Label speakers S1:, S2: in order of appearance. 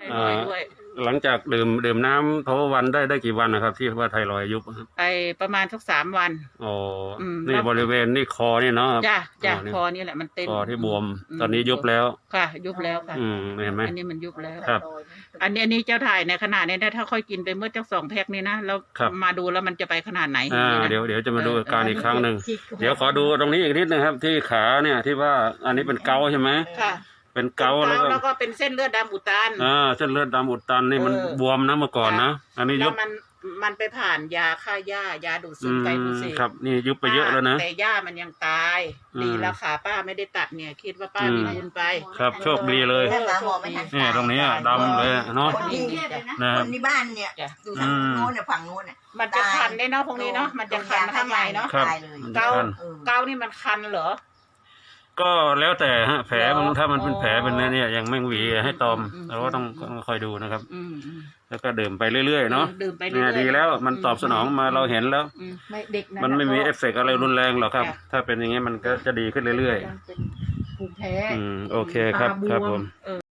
S1: รอยด์ด้วย
S2: หลังจากดื่มน้ำทวันได้กี่วันนะครับที่ว่าไทรอยด์ยุบ
S1: ไปประมาณสัก3 วัน
S2: อ๋อนี่บริเวณนี่คอนี่เนาะ
S1: จ้ะคอนี่แหละมันเต้น
S2: คอที่บวมตอนนี้ยุบแล้ว
S1: ค่ะยุบแล้วค่ะ
S2: เห็นไหม
S1: อันนี้มันยุบแล้ว
S2: ครับ
S1: อันนี้เจ้าถ่ายในขนาดนี้ถ้าค่อยกินไปเมื่อ2 แพ็คนี้นะแล้วมาดูแล้วมันจะไปขนาดไหน
S2: เดี๋ยวจะมาดูอาการอีกครั้งหนึ่งเดี๋ยวขอดูตรงนี้อีกนิดนึงครับที่ขาเนี่ยที่ว่าอันนี้เป็นเกาใช่ไหม
S1: ค่ะ
S2: เป็นเกา
S1: แล้วก็เป็นเส้นเลือดดำอุดตัน
S2: เส้นเลือดดำอุดตันนี่มันบวมนะเมื่อก่อนนะอันนี้ยุบ
S1: มันไปผ่านยาฆ่าหญ้ายาดูดซึมไกลโพเซต
S2: ครับนี่ยุบไปเยอะแล้วนะ
S1: แต่หญ้ามันยังตายดีแล้วขาป้าไม่ได้ตัดเนี่ยคิดว่าป้ามีบุญไป
S2: ครับโชคดีเลยนี่ตรงนี้ดำเลยเนาะ
S3: คนที่บ้านเนี่ยอยู่ทางโน้นเนี่ยฝั่งโน้นเนี่ย
S1: มันจะคันได้เนาะพวกนี้เนาะมันจะคันข้างในเนาะเกานี่มันคันเหรอ
S2: ก็แล้วแต่ฮะแผลถ้ามันเป็นแผลเป็นเนี่ยยังไม่หวีให้ตอมเราก็ต้องคอยดูนะครับแล้วก็ดื่มไปเรื่อยๆเนาะเนี่ยดีแล้วมันตอบสนองมาเราเห็นแล้วมันไม่มีเอฟเฟกต์อะไรรุนแรงหรอกครับถ้าเป็นอย่างงี้มันก็จะดีขึ้นเรื่อยๆโอเคครับผม